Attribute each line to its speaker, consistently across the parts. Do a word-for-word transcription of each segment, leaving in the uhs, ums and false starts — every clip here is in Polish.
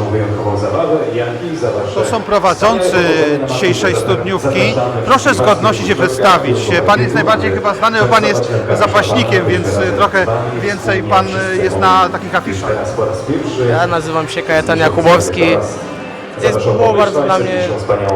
Speaker 1: wyjątkową zabawę. Janki, zobacz.
Speaker 2: To są prowadzący dzisiejszej studniówki. Proszę z godności się przedstawić. Pan jest najbardziej chyba znany, bo Pan jest zapaśnikiem, więc trochę więcej Pan jest na takich afiszach.
Speaker 3: Ja nazywam się Kajetan Jakubowski. Jest, było bardzo dla mnie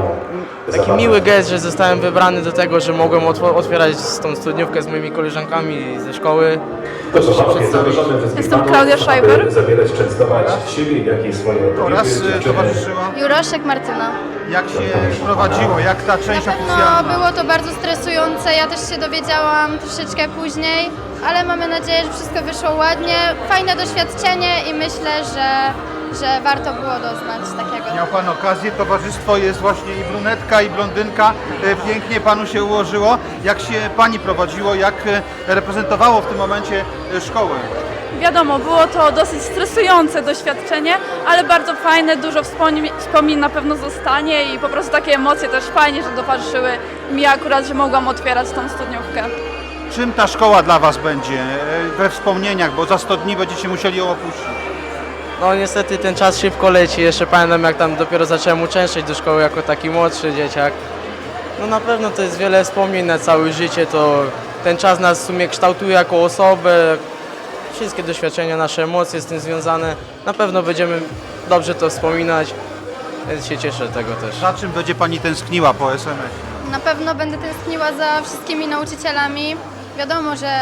Speaker 3: taki miły gest, że zostałem wybrany do tego, że mogłem otwierać tą studniówkę z moimi koleżankami ze szkoły. Proszę się przedstawić.
Speaker 4: Jestem Klaudia Schreiber.
Speaker 1: Zabierać, częstować siebie, jak i swoje
Speaker 2: Oraz towarzyszyła.
Speaker 4: Juroszek Martyna.
Speaker 2: Jak się prowadziło? Jak ta część
Speaker 4: Na pewno
Speaker 2: oficjalna?
Speaker 4: było to bardzo stresujące, ja też się dowiedziałam troszeczkę później, ale mamy nadzieję, że wszystko wyszło ładnie. Fajne doświadczenie i myślę, że, że warto było doznać takiego.
Speaker 2: Miał Pan okazję, towarzystwo jest właśnie i brunetka, i blondynka. E, Pięknie Panu się ułożyło. Jak się Pani prowadziło, jak e, reprezentowało w tym momencie e, szkołę?
Speaker 5: Wiadomo, było to dosyć stresujące doświadczenie, ale bardzo fajne, dużo wspomnień, wspomnień na pewno zostanie i po prostu takie emocje też fajnie, że towarzyszyły mi akurat, że mogłam otwierać tą studniówkę.
Speaker 2: Czym ta szkoła dla Was będzie e, we wspomnieniach, bo za sto dni będziecie musieli ją opuścić?
Speaker 3: No niestety ten czas szybko leci, jeszcze pamiętam jak tam dopiero zacząłem uczęszczać do szkoły jako taki młodszy dzieciak. No na pewno to jest wiele wspomnień na całe życie, to ten czas nas w sumie kształtuje jako osobę. Wszystkie doświadczenia, nasze emocje z tym związane, na pewno będziemy dobrze to wspominać, więc się cieszę tego też.
Speaker 2: Za czym będzie Pani tęskniła po S M S?
Speaker 4: Na pewno będę tęskniła za wszystkimi nauczycielami. Wiadomo, że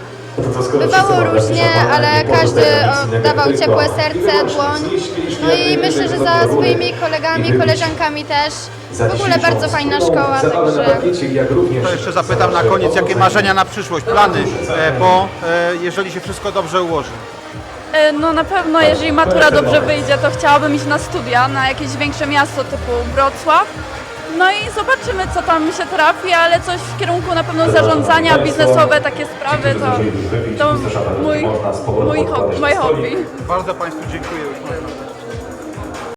Speaker 4: bywało różnie, ale każdy oddawał ciepłe serce, dłoń. No i myślę, że za swoimi kolegami, koleżankami też. W ogóle bardzo fajna szkoła, także...
Speaker 2: To jeszcze zapytam na koniec, jakie marzenia na przyszłość, plany, e, bo e, jeżeli się wszystko dobrze ułoży?
Speaker 5: E, No na pewno, jeżeli matura dobrze wyjdzie, to chciałabym iść na studia, na jakieś większe miasto typu Wrocław. No i zobaczymy, co tam mi się trafi, ale coś w kierunku na pewno zarządzania, biznesowe, takie sprawy, to, to mój, mój hobby, moje hobby.
Speaker 2: Bardzo Państwu dziękuję. Już można.